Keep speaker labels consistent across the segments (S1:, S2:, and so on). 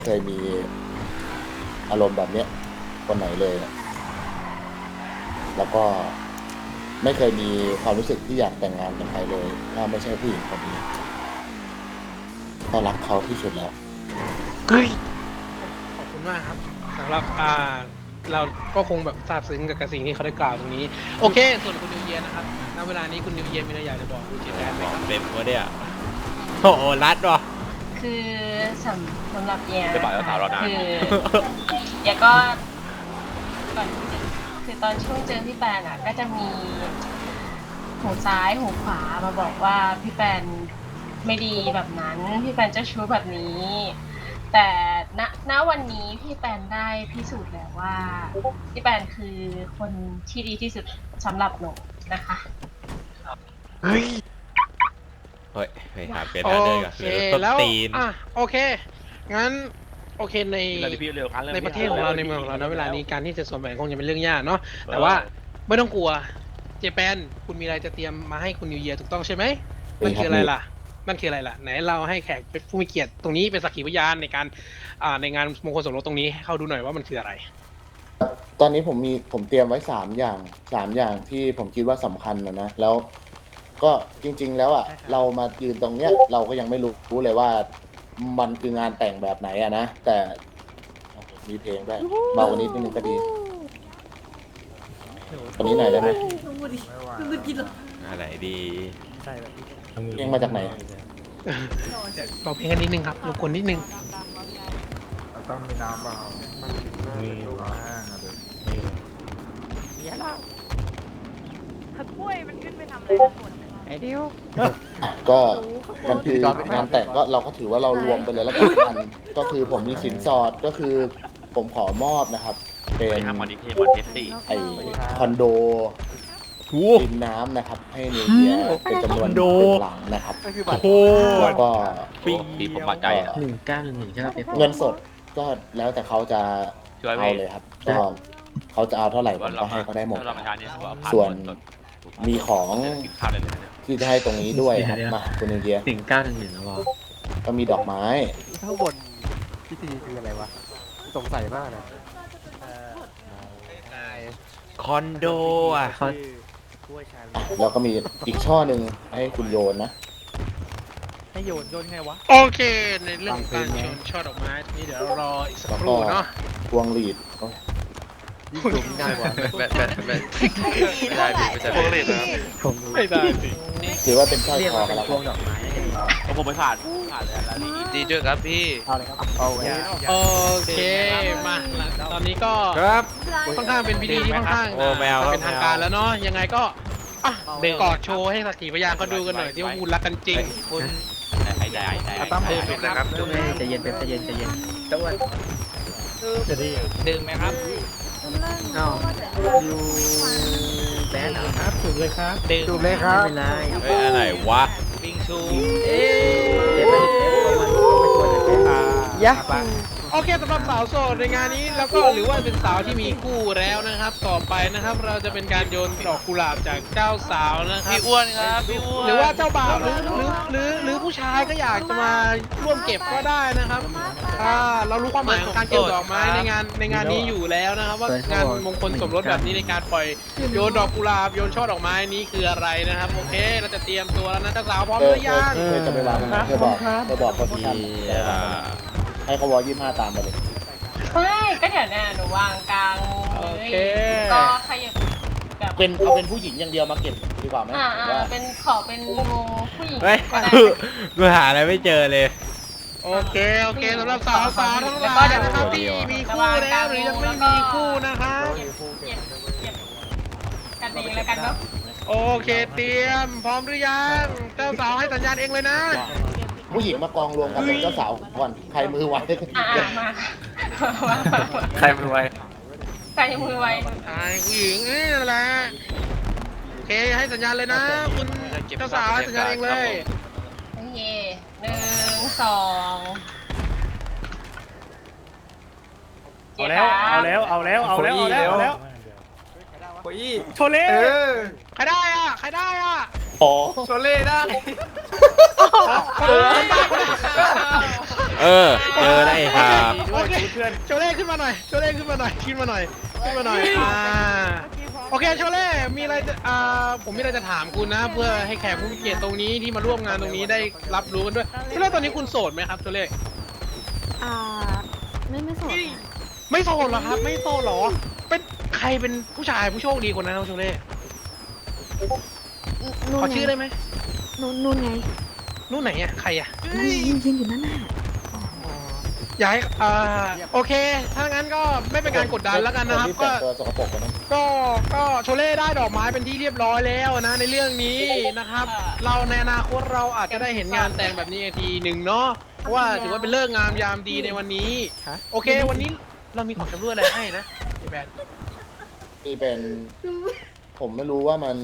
S1: เคยมีอารมณ์แบบเนี้ยคนไหนเลยแล้วก็ไม่เคยมีความรู้สึกที่อยากแต่งงานกับใครเลยถ้าไม่ใช่ผู้หญิงคนนี้ก็รักเขาที่สุดแล้ว
S2: เฮ้ยขอบคุณมากครับสำหรับเราก็คงแบบซาบซึ้งกับสิ่งที่เขาได้กล่าวตรงนี้โอเคส่วนคุณนิวเยียนะครับณเวลานี้คุณนิวเยียมีอะไรอยากจะบอกคุณเจแปนไหมครับ
S3: เต็มวะเนี่ยโอ้โหรัดวะ
S4: คือสำหรับแย
S3: จะบอกว่าสาวเรานาน
S4: คือแยก็ก่อนที่จะคือตอนช่วงเจอพี่แปนอ่ะก็จะมีหูซ้ายหูขวามาบอกว่าพี่แปนไม่ดีแบบนั้นพี่แปนเจ้าชู้แบบนี้ แต่ณวันนี้พี่แปนได้พิสูจน์แล้วว่าพี่แปนคือคนที่ดีที่สุดสำหรับหนูนะคะ
S2: เฮ้ย
S3: เฮ้ยไปหาเปลี่ยน
S2: โอ
S3: หาเดินก่อน
S2: เค
S3: ต้น
S2: แล้ว
S3: ตีน
S2: โอเคงั้นโอเคในประเทศของเราในเมืองของเราณเวลานี้การที่จะสวมแหวนคงจะเป็นเรื่องยากเนาะแต่ว่าไม่ต้องกลัวเจแปนคุณมีอะไรจะเตรียมมาให้คุณนิวเยียถูกต้องใช่ไหมมันคืออะไรล่ะไหนเราให้แขกเป็นผู้มีเกียรติตรงนี้เป็นสักขีพยานในการในงานมงคลสมรสตรงนี้ให้เขาดูหน่อยว่ามันคืออะไร
S1: ตอนนี้ผมเตรียมไว้3 อย่างที่ผมคิดว่าสำคัญนะแล้วก็จริง ๆ แล้วเรามายืนตรงเนี้ยเราก็ยังไม่รู้เลยว่ามันคืองานแต่งแบบไหนนะแต่มีเพลงด้วยเบากว่านิดนึงก็ดีคนนี้หน่อยได้ไหม
S3: อะไรดี
S1: เพลงมาจากไหน
S2: บอกเพลงกันนิดนึงครับรบกวนนิดนึง
S5: ต้องมีน้ำเปล่ามันมีแห้งอะเดี๋ยว
S6: ถ้ากล้วยมันขึ้นไปทำอะไรนะส่วนหนึ่ง
S1: ก็มันคืองานแต่งก็เราก็ถือว่าเรารวมไปเลยแล้วกันก็คือผมมีสินสอดก็คือผมขอมอบนะครับ เป็นไอคอนโดริมน้ำนะครับ ให้นิวเยียเป็นจำนวน1 หลังนะครับ
S3: โอ้โห
S1: แล้วก็
S3: ปีผมบาดใจอ่ะ
S7: 1911ใช่ไหมเป็น
S1: เงินสดก็แล้วแต่เขาจะเอาเลยครับก็เขาจะเอาเท่าไหร่ผมก็ให้เขาได้หมด ส่วนมีของที่จะให้ตรงนี้ด้วยครับมาคุณนิวเยีย
S7: 1911นะวะ
S1: ก็มีดอกไม้
S5: ข้างบนพิธีคืออะไรวะ สงสัยมากเลย
S3: คอนโดอ่ะ
S7: เขา
S1: แล้วก็มีอีกช่อหนึ่งให้คุณโยนนะ
S5: ให้โยนไงวะ
S2: โอเคในเรื่องของการชนช่อดอกไม้นี้เดี๋ยวรออีกสัก
S1: แล้ว
S2: ค
S1: ก็
S2: รู่เนาะ
S1: พวงหลีด
S5: ยิ่งสูงง่ายกว่า
S3: ไม่ได้ไม่ใช่
S5: ผม
S2: ไม่ได้สิ
S1: ถือว่าเป็นสร้อย
S7: เรียก
S1: คอ
S7: ว่า
S1: กั
S7: เป็น น
S1: แล้ว
S7: พวงดอกไม้น่าจะดี
S3: ผมไม่ผ่านเลยดีด้วยครับพี่
S5: เอาเลยครับ เอาไว้
S2: โอเคมาตอนนี้ก็
S3: ครับ
S2: ค่อนข้างเป็นพิธีที่ค่อนข้าง
S3: โอ้แมวครับ
S2: เป็นทางการแล้วเนาะยังไงก็กอดโชว์ให้สักขีพยานก็ดูกันหน่อยที่ว่าคุณรักกันจริง
S3: คุณไอ้ใจ
S5: ตั้ม
S3: ครับ
S7: ใจเย็นเป็นใจเย็นตะวัน
S3: ดื่มไหมครับ
S7: อ้าวอยู่แบนเหรอครับ
S2: ถูกเลยครับ
S5: จูบเลยค
S7: ไม่
S5: รับ
S7: เป็นไร
S3: เฮ้ยอะไรวะ
S2: บิงชู
S7: เจ็บไปไม่ควรจะเป็น
S5: ยะ
S2: โอเคสำหรับสาวโสดในงานนี้แล้วก็หรือว่าเป็นสาวที่มีคู่แล้วนะครับ ต่อไปนะครับเราจะเป็นการโยนดอกกุหลาบจากเจ้าสาวนะครับ
S3: พี่อ้วนครับพี่อ้วน
S2: หรือว่าเจ้าบ่าวหรือผู้ชายก็อยากจะมาร่วมเก็บก็ได้นะครับเรารู้ความหมายของการเก็บดอกไม้ในงานนี้อยู่แล้วนะครับ ว่างานมงคลสมรสแบบนี้ในการปล่อยโยนดอกกุหลาบโยนช่อดอกไม้นี้คืออะไรนะครับโอเคเราจะเตรียมตัวแล้วนะเจ้าสาวพร้อมหรือยัง
S1: จะไปวางเธอบอกคนที่ให้เขาวอ25ตามไปเลย
S4: ไม่ก็เดี๋ยวเนี่ยหนูวางกลางเลยก็ขยับแบบ
S1: เอาเป็นผู้หญิงอย่างเดียวมาเก็บดีกว่าไหมหรือว่า
S4: เป็นขอเป็นวงผู้หญิง
S3: เฮ้ย
S4: ก็ได้
S3: กูหาอะไรไม่เจอเลย
S2: โอเคสำหรับสาวทั้งหลายนะครับที่มีคู่แล้วหรือยังไม่มีคู่นะครับ
S4: เก็บกันเองแล้วกันเนาะ
S2: โอเคเตรียมพร้อมหรือยังเจ้าสาวให้สัญญาณเองเลยนะ
S1: ผู้หญิงมากองรวมกันเป็นเจ้าสาวก่อนใครมือไว
S4: มา
S3: ใครมือไว
S4: ใส่มือไว้
S2: ผู้หญิงนั่นแหละโอเคให้สัญญาณเลยนะคุณเจ้าสาวให้สัญญาณเองเลย
S4: โอเค1 2
S5: เอาแล้วโอ้ยโชเล่
S2: ใครได้อ่ะ
S1: อ๋อ
S5: โชเล่ได้
S2: คนละ
S3: เออเจอได้ครับ
S2: โอเคโชเล่ขึ้นมาหน่อยโชเล่ขึ้นมาหน่อยขึ้นมาหน่อยขึ้นมาหน่อยโอเคโชเล่มีอะไรจะผมมีอะไรจะถามคุณนะ เพื่อให้แขกผู้มีเกียรติตรงนี้ที่มาร่วมงานตรงนี้ได้รับรู้กันด้วยโชเล่ตอนนี้คุณโสดไหมครับโชเล่
S6: ไม่โสด
S2: ไม่โสดเหรอครับไม่โสดเหรอเป็นใครเป็นผู้ชายผู้โชคดีคนนั้นครับโชเล่ขอชื่อได้ไหม
S6: นู่นไง
S2: นู่นไหนอ่ะใครอ่ะ
S6: ยืนอยู่นั่นน่ะ
S2: อยากให้โอเค ถ้างั้นก็ไม่เป็นการกดดันแล้วกันนะครับ
S1: ที่แต่งตัวสกปรกกันนะ
S2: ก็โชเล่ได้ดอกไม้เป็นที่เรียบร้อยแล้วนะในเรื่องนี้นะครับ เราในอนาคตเราอาจจะได้เห็นงานแต่งแบบนี้อีกทีหนึ่งเนาะเพราะว่าถือว่าเป็นเลิกษ์งามยามดีในวันนี้ โอเค วันนี้เรามีของชำร่วยอะไรให้นะพี่แบน
S1: นี่เป็น ผมไม่รู้ว่ามัน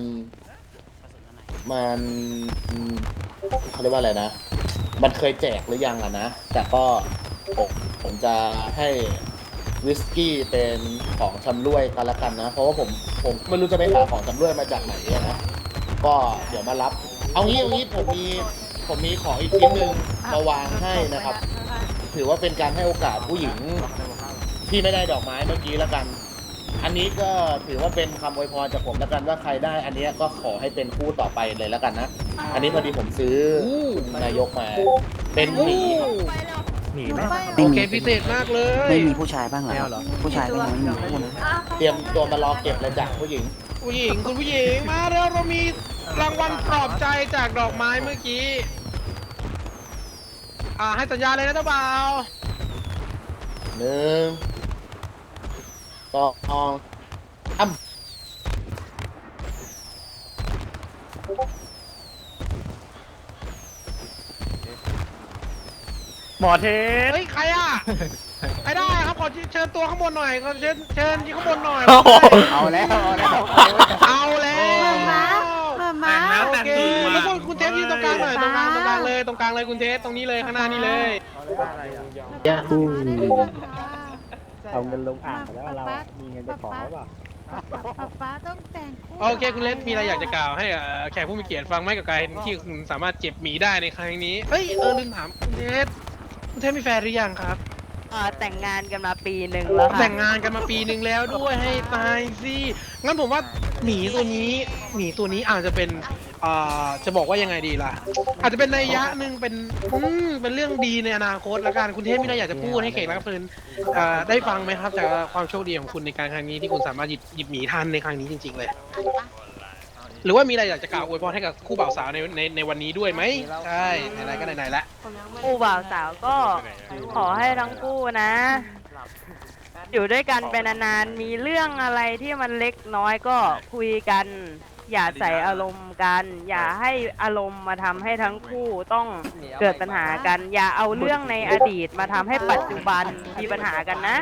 S1: เขาเรียกว่าอะไรนะ มันเคยแจกหรือยังอะนะ แต่ก็ผมจะให้วิสกี้เป็นของชำร่วยกันละกันนะ เพราะว่าผมไม่รู้จะไปหาของชำร่วยมาจากไหนอะนะ ก็เดี๋ยวมารับ เอางี้ผมมีของอีกชิ้นหนึ่งมาวางให้นะครับ ถือว่าเป็นการให้โอกาสผู้หญิงที่ไม่ได้ดอกไม้เมื่อกี้ละกัน อันนี้ก็ถือว่าเป็นคำอวยพรจากผมละกันว่าใครได้ อันนี้ก็ขอให้เป็นคู่ต่อไปเลยละกันนะ อันนี้พอดีผมซื้อนายกมา เป็นหมีครับ
S5: หนีไหม
S2: โอเคพิเศษมากเลย
S7: ไม่มีผู้ชายบ้างเหรอผู้ชายไม่มีคู่นะ
S1: เตรียมตัวมารอเก็บเลยจากผู้หญิง
S2: ผู้หญิงคุณผู้หญิงมาแล้วเรามีรางวัลปลอบใจจากดอกไม้เมื่อกี้ให้สัญญาเลยนะเจ้าบ่าว
S1: 1 2 3
S5: หมอเทส
S2: เฮ้ยใครอ่ะไม่ได้ครับขอเชิญตัวข้างบนหน่อยขอเชิญที่ข้างบนหน่อย
S5: เอาแล้ว
S2: เอาแล้ว
S6: มา
S2: โอเคแล้วคุณเทสยืนตรงกลางหน่อยตรงกลางเลยคุณเทสตรงนี้เลยข้างหน้านี่เลย
S7: ยาฮู
S6: เอาเงินลงอ่างแล้วเรามีเงินจะขอหรือเปล่าป๊าต้องแต่งคู่
S2: โอเคคุณเลสมีอะไรอยากจะกล่าวให้แขกผู้มีเกียรติฟังไหมกับการที่คุณสามารถเจ็บหมีได้ในครั้งนี้เฮ้ยลืมถามคุณเทสมีแฟนหรือยังครับ
S6: แต่งงานกันมาปีหนึ่งแล้วค่ะ
S2: แต่งงานกันมาปีหนึ่งแล้วด้วยให้ตายสิงั้นผมว่าหมีตัวนี้อาจจะเป็นจะบอกว่ายังไงดีล่ะ อาจจะเป็นนัยยะหนึ่งเป็นเรื่องดีในอนาคตแล้วกันคุณเทพมีอะไรอยากจะพูดให้แขกรับเชิญได้ฟังไหมครับจากความโชคดีของคุณในการครั้งนี้ที่คุณสามารถหยิบหมีทันในครั้งนี้จริงๆเลย หรือว่ามีอะไรอยากจะกล่าวอวยพรให้กับคู่บ่าวสาวในวันนี้ด้วยไหมใช่ไหนๆก็ไหนๆละ
S6: คู่บ่าวสาวก็ขอให้ทั้งคู่นะ อยู่ด้วยกันเป็นนานๆมีเรื่องอะไรที่มันเล็กน้อยก็คุยกัน อย่าใส่อารมณ์กัน อย่าให้อารมณ์มาทำให้ทั้งคู่ต้องเกิดปัญหากัน อย่าเอาเรื่องในอดีตมาทำให้ปัจจุบันมีปัญหากันนะ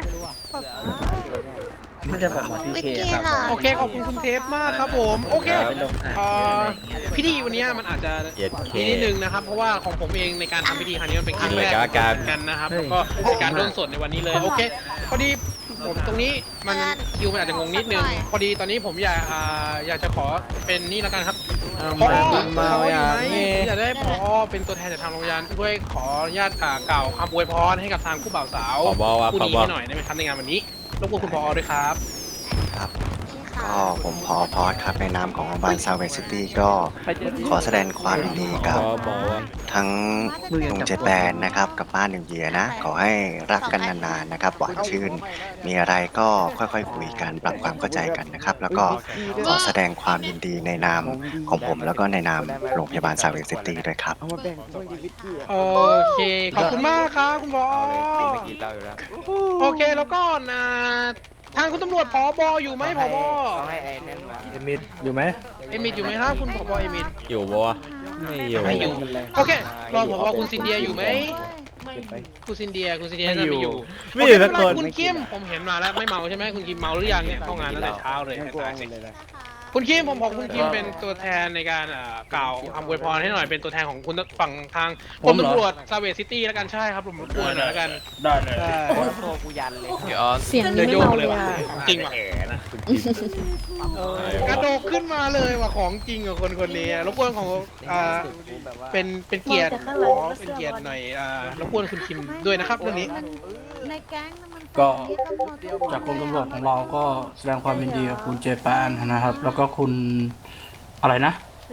S7: ไม่ใช่ผมที่เคครับ
S2: โอเคขอบคุณคุณเทปมากครับผมโอเคพิธีวันนี้มันอาจจะ
S3: เย็ดเค
S2: นิดนึงนะครับเพราะว่าของผมเองในการทำพิธีครั้งนี้มันเป็นครั้งแรก
S3: เลยก็การ
S2: กันนะครับแล้วก็ในการร่วมสดในวันนี้เลยโอเคพอดีผมตรงนี้มันคิวมันอาจจะงงนิดนึงพอดีตอนนี้ผมอยากจะขอเป็นนี่แล้วกันครับพออยู่ไหมอยากได้พอเป็นตัวแทนจากทางโรงเรียนด้วยขออนุญาตกล่าวคำอวยพรให้กับทางคู่บ่าวสาว
S3: ผบว่า
S2: คู่
S3: ผ
S2: นี้
S3: บ
S2: ให้หน่อยได้ไหมครับในงานวันนี้รบกวนคุณพอด้วยครับ
S8: ก็ผมพอสครับในนามของโรงพยาบาลซาวเวสซิตี้ก็ขอแสดงความยินดีกับ
S3: บอกว่า
S8: ทั้งหนุ่มเจแปนนะครับกับป้าหนึ่งเยียนะ ขอให้รักกันนานๆนะครับหวานชื่น มีอะไรก็ค่อยๆคุยกันปรับความเข้าใจกันนะครับ แล้วก็ขอแสดงความยินดีในนามของผม แล้วก็ในนามโรงพยาบาลซาวเวสซิตี้ด้วยครับ
S7: เอามาแบ่งช่วยชีวิตพี่
S2: โอเค ขอบคุณมากครับคุณบอโอเค แล้วก็ทางคุณตำรวจผบอยู่ไหมผบ
S5: เอมิดอยู่ไหม
S2: เอมิดอยู่ไหมครับคุณผบเอมิด
S3: อยู่บ่วะไม่อยู่
S2: ไม่อยู่ โอเค รอผบคุณซินเดียอยู่ไหมคุณซินเดียน่าจะไม่อยู่
S3: ไม่อยู่สักคน
S2: คุณคิมผมเห็นมาแล้วไม่เมาใช่ไหมคุณคิมเมาหรือยังเนี่ยเข้างานตั้งแต่เช้าเลยคุณคิมผมบอกคุณคิมเป็นตัวแทนในการกล่าวคำอวยพรให้หน่อยเป็นตัวแทนของคุณฝั่งทางกรมตำรวจซาเวซิตี้แล้วกันใช่ครับผมรบกวนหน่อยแล้วกันได้เลย
S7: โตกูยันเลย
S3: เดี๋ยวออน
S6: เสียง
S2: เดี๋ยว
S6: ไม่
S2: โยก
S6: เมา
S2: เล
S6: เลย ย
S2: ว่ะ
S6: อ่ะ
S2: จริงว่ะกระโดดขึ้นมาเลยว่าของจริงกับคนคนนี้รบกวนของเป็นเกียรติขอเป็นเกียรติหน่อยรบกวนคุณคิมด้วยนะครับเรื่องนี้
S9: ในแก๊งน่ะมัน
S10: ก็จากกรมตำรวจของเราก็แสดงความยินดีกับคุณเจแปนนะครับ แล้วก็คุณอะไรนะ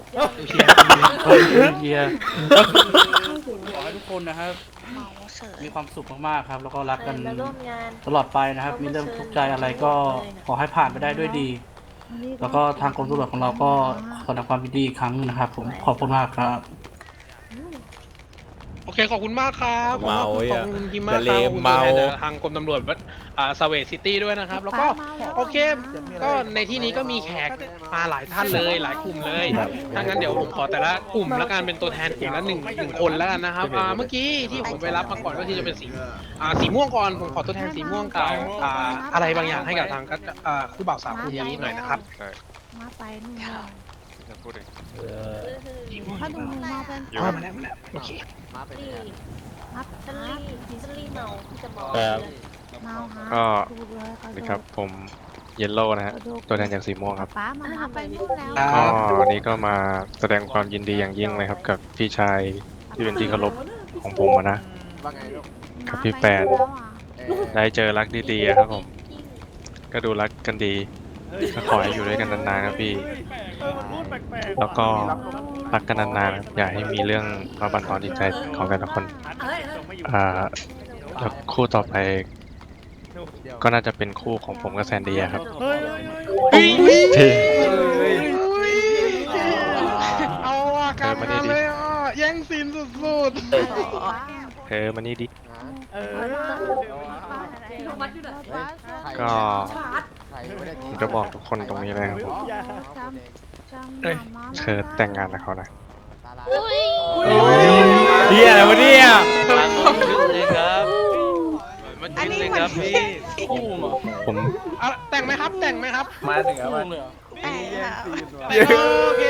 S10: เฮียขอให้ทุกคนนะครับมีความสุขมากๆครับ แล้วก็รักกันตลอดไปนะครับ มีเรื่องทุกข์ใจอะไรก็ขอให้ผ่านไปได้ด้วยดี แล้วก็ทางกรมตำรวจของเราก็ขอแสดงความยินดีอีกครั้งนะครับ ผมขอบคุณมากครับ
S2: โอเคขอบคุณมากครับ
S3: เมา
S2: ขอบคุณคิมมากครับขอบคุณตัวแทนจากทางกรมตำรวจสเวทซิตี้ด้วยนะครับ แล้วก็โอเคก็ในที่นี้ก็มีแขกมาหลายท่านเลยหลายกลุ่มเลยถ้างั้นเดี๋ยวผมขอแต่ละกลุ่มแล้วกันเป็นตัวแทนกลุ่มละหนึ่งคนแล้วกันนะครับเมื่อกี้ที่ผมไปรับมาก่อนก็คือจะเป็นสีม่วงก่อนผมขอตัวแทนสีม่วงกล่าวอะไรบางอย่างให้กับทางคู่บ่าวสาวคู่นี้หน่อยนะครับ
S9: มาไปนู่นเลย
S11: พูดเอง
S9: ถ้าดูมาเป็น
S2: มาแล้วโอเค
S9: มาเป็น
S11: ก็นี่ครับผมเยลโล่นะฮะตัวแทนจากสีม่วงครับ
S9: ป้ามาไปนู่นแล้ว
S11: ก็วันนี้ก็มาแสดงความยินดีอย่างยิ่งเลยครับกับพี่ชายที่เป็นที่เคารพของผมนะกับพี่แปนได้เจอรักดีๆครับผมก็ดูรักกันดีก็ขอให้อยู่ด้วยกันนานๆครับพี่แล้วก็รักกันนานๆครับอย่าให้มีเรื่องมาบั่นทอนจิตใจของแต่ละคนแล้วคู่ต่อไปก็น่าจะเป็นคู่ของผมกับแซนดี้ครับที่
S2: เอาอาการมาเลยแย่งซีนสุด
S11: มานี่ดิก็ผมจะบอกทุกคนตรงนี้เลยครับผมเธอแต่งงานกับเขานะ
S3: เฮียอะไรวะเนี่ย
S9: อันนี้มัน
S11: ผม
S2: แต่งไหมครับแต่งไหมครับ
S5: มาถึงแล้ว
S2: โอเค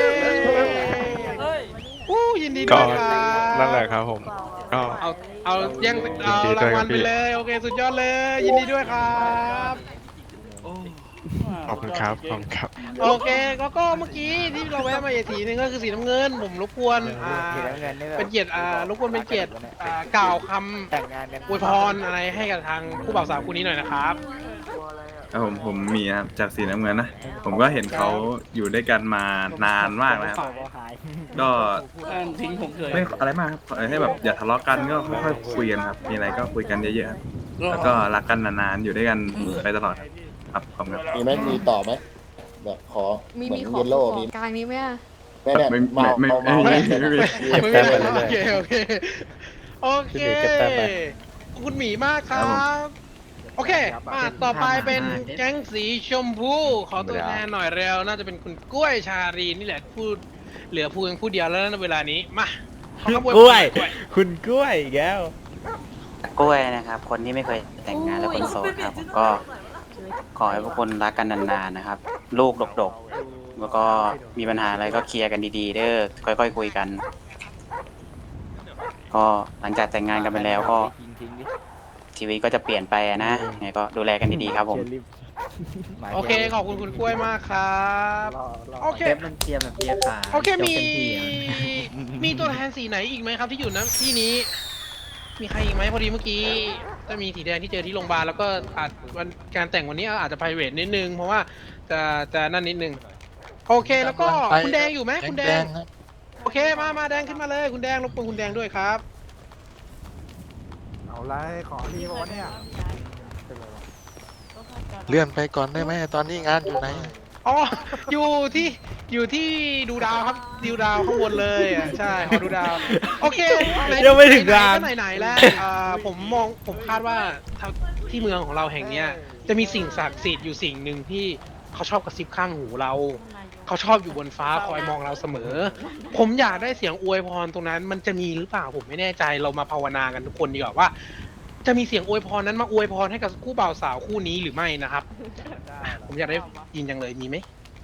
S2: ยินดีด้
S11: ก็
S2: วยครับ
S11: นั่นแหละครับผมก็
S2: เอาแย่งเอารางวัลไปเลยโอเคสุดยอดเลยยินดีด้วยครับ
S11: ขอบคุณครับขอบคุณครับ
S2: โอเคก็เมื่อกี้ที่เราแวะมาอีกทีนึงก็คือสีน้ำเงินผมรบกวนเป็นเกียรติรบกวนเป็นเกียรติกล่าวคำอวยพรอะไรให้กับทางคู่บ่าวสาวคู่นี้หน่อยนะครับ
S12: ผมมีครับจากสีน้ำเงินนะผมก็เห็นเขาอยู่ด้วยกันมานานมากแล้วครับก็ไม่อะไรมากครับให้แบบอย่าทะเลาะกันก็ค่อยๆคุยกันครับมีอะไรก็คุยกันเยอะๆครับแล้วก็รักกันนานๆอยู่ด้วยกันไปตลอดครับขอบคุณครับ
S1: มีไหมมีต่อไหมแบบขอเหมือนเยลโล่มี
S9: กลางนี้ไหมอ่ะ
S1: แน่ๆเมา
S2: ไม่
S3: เก็บ
S2: มี
S3: แต้มไป
S2: โอ
S3: เรื่อย
S2: เคโอเคโอเค
S3: เก็บแต้มไป
S2: คุณหมีมากครับโอเคต่อไปเป็นแก๊งสีชมพูขอตัวแทนหน่อยเร็วน่าจะเป็นคุณกล้วยชารีนี่แหละพูดเหลือพูดผู้เดียวแล้วนะเวลานี้มาขอก
S3: ล้วย คุณกล้วยอีกแล้ว
S13: กล้วยนะครับ คนที่ไม่เคยแต่งงานและคนโสดครับผมก็ขอให้พวกคนรักกันนานๆนะครับ ลูกดกๆแล้วก็มีปัญหาอะไรก็เคลียร์กันดีๆเด้อค่อยๆคุยกัน ก็หลังจากแต่งงานกันไปแล้วก็ชีวิตก็จะเปลี่ยนไปนะไงก็ดูแลกันดีๆครับผม
S2: โอเคขอบคุณคุณกล้วยมากครับโอเค
S7: มันเตรียมแบบเตรียมขา
S2: โอเคมีตัวแทนสีไหนอีกไหมครับที่อยู่ณที่นี้ มีใครอีกไหมพอดีเมื่อกี้จะมีสีแดงที่เจอที่โรงพยาบาลแล้วก็อาจวันการแต่งวันนี้อาจจะ private นิดนึงเพราะว่าจะนั่นนิดนึงโอเคแล้วก็คุณแดงอยู่ไหมคุณแดงโอเคมาแดงขึ้นมาเลยคุณแดงรบกวนคุณแดงด้วยครับ
S5: เอาไรขอพี่บอกว่าเนี่ย
S12: เลื่อนไปก่อนได้ไหมตอนนี้งานอยู่ไหน
S2: อ๋ออยู่ที่ดูดาวครับดูดาวข้างบนเลยใช่ขอดูดาวโอเค
S3: ยังไม่ถึงงาน
S2: ไหนแล้วผมคาดว่าที่เมืองของเราแห่งเนี้ยจะมีสิ่งศักดิ์สิทธิ์อยู่สิ่งหนึ่งที่เขาชอบกระซิบข้างหูเราเขาชอบอยู่บนฟ้าคอยมองเราเสมอ ผมอยากได้เสียงอวยพรตรงนั้นมันจะมีหรือเปล่าผมไม่แน่ใจเรามาภาวนากันทุกคนดีกว่าว่า จะมีเสียงอวยพรนั้นมาอวยพรให้กับคู่บ่าวสาวคู่นี้หรือไม่นะครับ ผมอยากได้ยินจังเลยมีไหม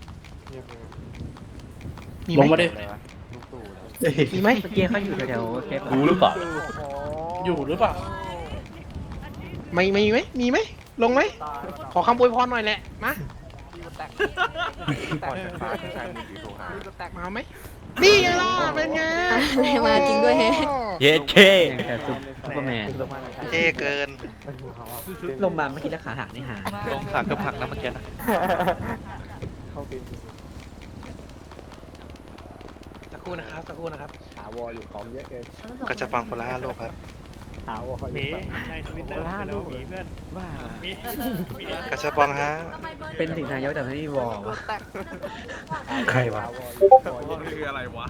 S2: มีไหม
S10: ลงมาดิ
S2: มีไหม
S7: เมื่อกี้เขาอยู่แถวๆเทป
S10: รู้หรือเปล่า อยู่หรือเปล่า
S2: ไม่มีไหมมีไหมลงไหมขอคำอวยพรหน่อยแหละมามาไหมนี่ไงล่ะเป็นไง
S9: มาจริงด้วยแฮะ
S3: เย็ดเค
S7: แต่ซุปเปอร์แมน
S14: เท่เกิน
S7: ลงมาเมื่อกี้แล้วขาหักนี่หา
S14: ลงขาเกือบหักนะเมื่อกี้นะ
S2: สักครู่นะครับสักครู่นะครับ
S14: ก็จะฟังคนละ5 โลกครับกระชับปองฮะ
S7: เป็นถึงนายกแต่ไม่มีวอลวะ
S11: ใครวะ
S12: คืออะไรวะ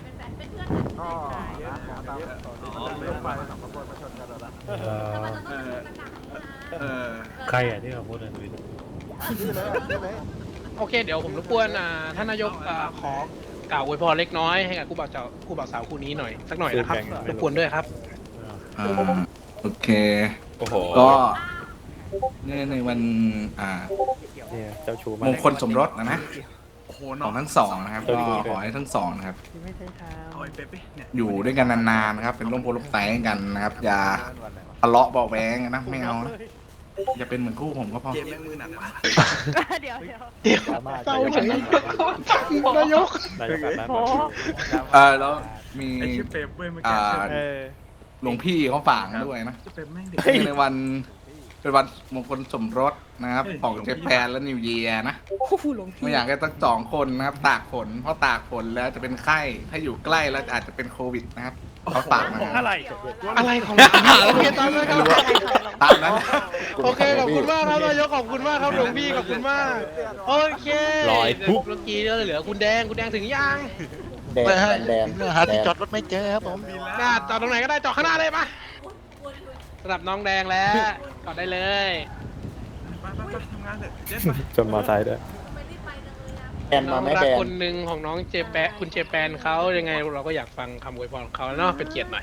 S11: ใครอ่ะที่เขาพูดในทวิต
S2: โอเคเดี๋ยวผมรบกวนท่านนายกขอกล่าวอวยพรเล็กน้อยให้กับคู่บ่าวสาวคู่นี้หน่อยสักหน่อยนะครับรบกวนด้วยครับ
S5: โอเค
S11: โอ้โห
S5: ก็ในวัน
S11: เจ้าชู้มาม
S5: งคลสมรสนะ
S12: โอ้โห
S5: ของทั้งสองนะครับก็ขอให้ทั้งสองนะครับ
S12: เอาไอ้เป๊ปเนี่ย
S5: อยู่ด้วยกันนานๆนะครับ เป็นร่มโพล่มไทรให้กันนะครับ อย่าทะเลาะเบาะแวงนะไม่เอานะอย่าเป็นเหมือนคู่ผมก็พอ
S12: เกมแม่งมือหนักวะ
S6: เดี๋ยว
S2: เศร้าเฉยนายก
S5: แล้วมี
S12: ไอ้ชื่อเป๊ปเว้ยเมื่อกี้
S5: หลวงพี่เขาฝากด้วยนะ
S12: ชื่อเป๊ปแม่งเด็ก
S5: ในวันเป็นวันมงคลสมรสนะครับของเจแปนและนิวเยียร์นะไม่อยากให้ตั้ง2 คนนะครับตากฝนเพราะตากฝนแล้วจะเป็นไข้ถ้าอยู่ใกล้แล้วอาจจะเป็นโควิดนะครับเขาฝากมา
S2: อะไรของโอเคตามเลยครับ
S5: ตามนั้น
S2: โอเคขอบคุณมากครับนายกขอบคุณมากครับหลวงพี่ขอบคุณมากโอเคเมื่อกี้เหลือคุณแดงถึงยัง
S1: แดง
S14: หาที่จอดรถไม่เจอครับผม
S2: หน้าจอดตรงไหนก็ได้จอดข้างหน้าเลยปะสำหรับน้องแดงแล้วจอดได้เลย
S12: ไปทำงานเถอะเจ็ด
S11: จนมอไซค์ด้วย
S1: แดง
S2: น้
S1: มา
S2: อง
S1: ไม่
S2: รัก
S1: แดง
S2: คนหนึ่งของน้องเจแปนคุณเจแปนเขายังไงเราก็อยากฟังคำอวยพรของเขาเนาะเป็นเกียรติหน่อย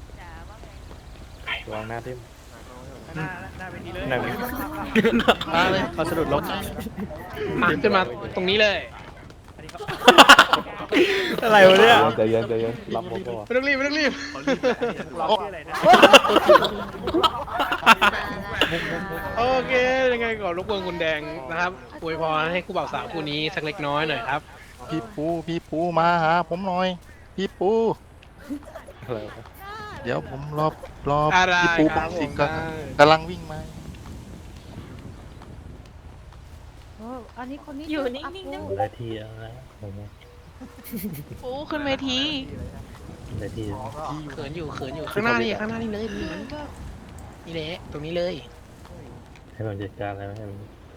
S11: วางหน้าทิ่ม
S2: มาเลย
S11: เขาสะดุดล้ม
S2: มาขึ้นมาตรงนี้เลย
S3: อะไรวะเนี่ย
S11: ใจเย็นรับผมก่อน
S2: ไม่ต้องรีบโอเคยังไงก่อนรบกวนคุณแดงนะครับอวยพรให้คู่บ่าวสาวคู่นี้สักเล็กน้อยหน่อยครับ
S14: พี่ปูมาหาผมหน่อยพี่ปู
S11: อะไรวะ
S14: เดี๋ยวผมรอ
S2: อะไร
S14: พี่ปู
S2: ค
S14: ปั
S2: รับ
S14: งสิง
S2: ผม
S14: ก็กำลังวิ่งมา
S9: อันนี้คนนี้
S6: อยู่นิ่งๆนะ
S11: ได้ที่แล้วนะผม
S6: ปูขึ้นเวที
S11: ได้ที่
S2: เขินอยู่ข้างหน้านี่เลยนี่แหละตรงนี้เลย
S11: ให้ผมจัดการอะไรไหมให้ผม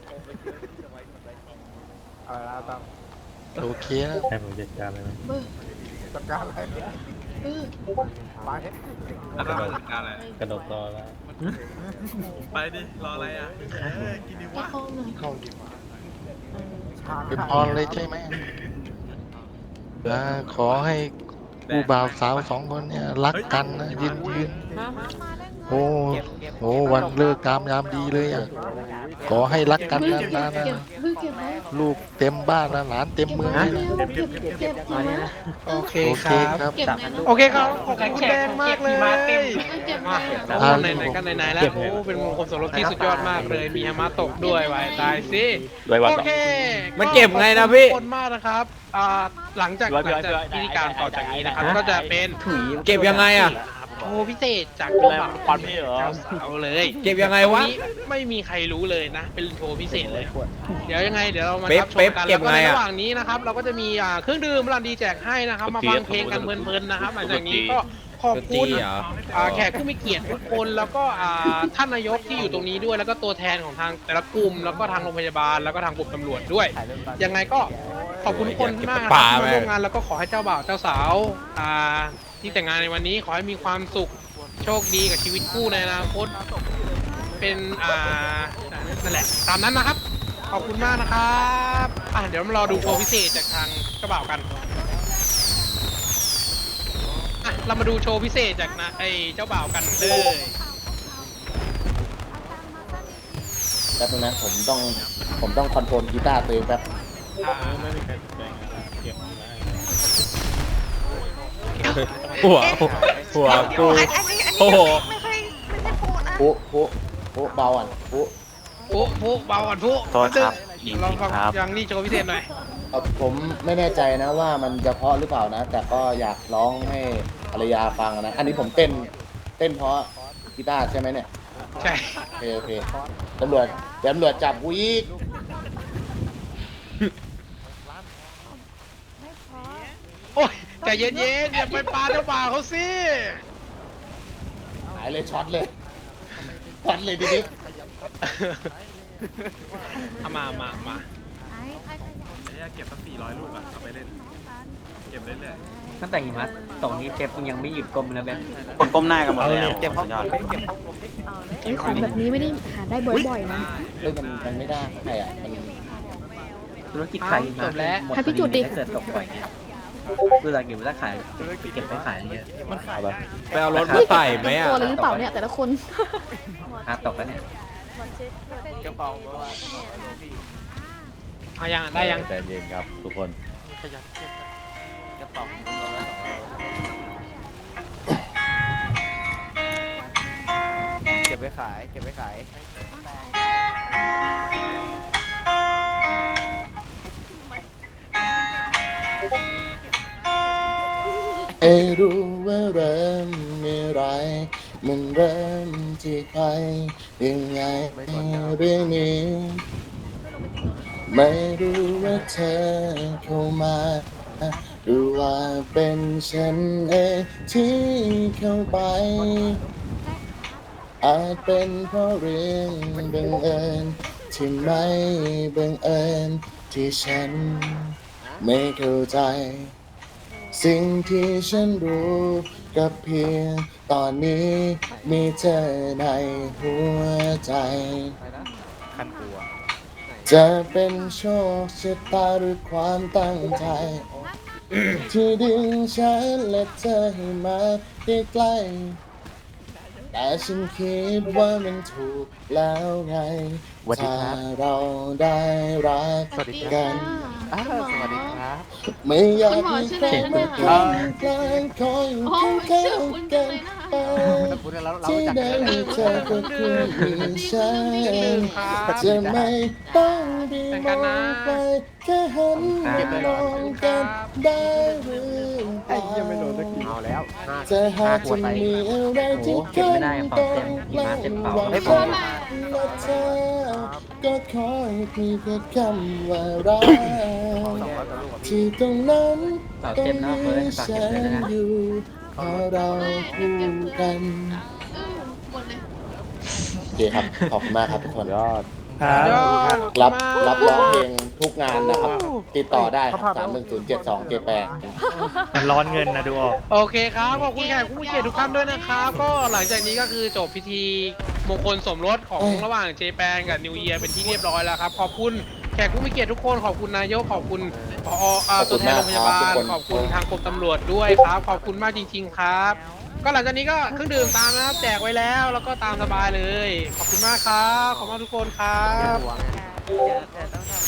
S14: โอเคนะ
S11: ให้ผมจัดการอะไรไหม
S12: อะไร
S11: กระโดดต่อแล้ว
S12: ไปดิ รออะไรอ่ะกินดีวะ
S14: เป็นพรเลยใช่ไหมขอให้ผู้บ่าวสาว2 คนเนี่ยรักกันนะยืนโอ้วันเลิกงามยามดีเลยอ่ะขอให้รักกันนานๆนะลูกเต็มบ้านนะหลานเต็มเมืองเลยนะ
S2: โอเค
S14: โอ
S2: ค
S14: เค
S2: รับ
S14: ครับ
S2: โอเคครับขอบคุณคุณแดงมากเลยมาโอ้ไหนๆก็ไหนๆแล้วโอ้เป็นมงคลสมรสที่สุดยอดมากเลยมีฮามาตกด้วยไว้ตายสิโอเค
S3: มันเก็บไงนะพี่
S2: ขอบคุณมากนะครับหลังจากพิธีการต่อจากนี้นะครับก็จะเป็น
S3: เก็บยังไงอะ
S2: โชว์พิเศษจากเจ้าบ่าวเจ้าสาวเลย
S3: เก็บยังไงวะ
S2: นนี้ไม่มีใครรู้เลยนะ เป็นโชว์พิเศษเลย เดี๋ยวยังไงเดี๋ยวเรามา
S3: เป๊ป
S2: รับชมกัน
S3: เก็บ
S2: แล้วก็ใน
S3: ไงอะ
S2: ระหว่างนี้นะครับ เราก็จะมีเครื่องดื่มรันดีแจกให้นะครับ มาฟังเพลงกันเพลินๆนะครับหลังจากนี้ก็ขอบคุณแขกผู้มีเกียรติทุกคนแล้วก็ท่านนายกที่อยู่ตรงนี้ด้วยแล้วก็ตัวแทนของทางแต่ละกลุ่มแล้วก็ทางโรงพยาบาลแล้วก็ทางกลุ่มตำรวจด้วยยังไงก็ขอบคุณทุกคนมากนะครับที่มาร่วมงานแล้วก็ขอให้เจ้าบ่าวเจ้าสาวที่แต่งงานในวันนี้ขอให้มีความสุขโชคดีกับชีวิตคู่ในอนาคตเป็นนั่นแหละตามนั้นนะครับขอบคุณมากนะครับเดี๋ยวมารอดูโชว์พิเศษจากทางเจ้าบ่าวกันเรามาดูโชว์พิเศษจากไอ้เจ้าบ่าวกันเลย
S1: แป๊บนึงนะผมต้องคอนโทรลกีตาร์ตัวเองแป๊บ
S11: ไม่มีใครสนใจงานเก็บได้
S3: หัวกูโอ้โห
S1: ปุ๊เบาอ่ะปุ๊
S2: เบาก่อนปุ๊
S13: โทษครับ
S2: ลองฟังอย่างนี้โชว์พิเศษหน่อย
S1: ผมไม่แน่ใจนะว่ามันจะเพราะหรือเปล่านะ แต่ก็อยากร้องให้ภรรยาฟังนะ อันนี้ผมเต้นเพราะกีตาร์ใช่ไหมเนี่ย
S2: ใช่
S1: โอเคตำรวจจับกูอีก
S2: โอ้ยใจเย็นๆอย่าไปปาเจ้าบ่าวเขาสิ
S1: หายเลยช็อตเลยทีนี้
S2: เอามา
S12: เก็บสัก400 ลูกอะเอาไปเล่น เก็บเรื่อย
S7: ตั้งแต่หิมะตรงนี้เจ็บยังไม่หยุดกลมเลยแบงค์
S13: คนก้มหน้ากันหมดแล้ว
S7: เจ็บเพราะ
S13: สุดยอด
S9: ของแบบนี้ไม่ได้หาได้บ่อยๆนะ
S1: มันไม่ได้ใครอ่ะมัน
S7: ธุรกิจขายหิมะ
S2: จบแล้ว
S9: ให้พี่จุดดิ
S7: ถ้าเกิดตกบ่อยเนี่ยเวลาเก็บเวลาขายเก็บไปขายเยอะมันขายแบบ
S3: ไปเอารถมาใส่ไหมอ่ะ
S9: ตัวเลยหรือเปล่าเนี่ยแต่ละคน
S7: ตกแล้วเนี่ย
S2: เอายังได้ยัง
S3: ใจเย็นครับทุกคน
S7: เก็บไว้ขาย
S1: รู้ว่าเริ่มเมื่อไรมันเริ่มที่ใครยังไงเรื่องนี้ไม่รู้ว่าเธอเข้ามาหรือว่าเป็นฉันเองที่เข้าไปอาจเป็นเพราะเรื่องบังเอิญที่ไม่บังเอิญที่ฉันไม่เข้าใจสิ่งที่ฉันรู้กับเพียงตอนนี้มีเธอในหัวใจจะเป็นโชคชะตาหรือความตั้งใจ ที่ดึงฉันและเธอให้มาใกล้ๆแต่ฉันคิดว่ามันถูกแล้วไงถ้าเราได้รักกัน ไม่อยากให้ใครมาแกล้งคอยอยู่ข้างๆกันไปที่ได้มีเธอก็คือมีฉันจะไม่ต้องไปมองไปแค่หันมองกันได้หรือเปล่าจะหากจะมีอะไรที่กันต้องแกล้งหวังฉันและเธอก็ขอให้เพียงแค่คำว่ารักที่ตรงนั้นต้องมีฉันอยู่เพราะเราคู่กันโอเคครับ ขอบคุณมากครับทุกคนรับร้องเพลงทุกงานนะครับ ติดต่อได้ครับ3107278
S3: มันร้อนเงินนะดูออก
S2: โอเคครับขอบคุณแขกผู้มีเกียรติทุกท่านด้วยนะครับก็หลังจากนี้ก็คือจบพิธีมงคลสมรสของระหว่างเจแปนกับนิวเยียร์เป็นที่เรียบร้อยแล้วครับขอบคุณแขกผู้มีเกียรติทุกคนขอบคุณนายกขอบคุณผอตัวแทนโรงพยาบาลขอบคุณทางกรมตำรวจด้วยครับขอบคุณมากจริงๆครับก็หลังจากนี้ก็เครื่องดื่มตามนะครับแจกไว้แล้วแล้วก็ตามสบายเลยขอบคุณมากครับขอบคุณทุกคนครับ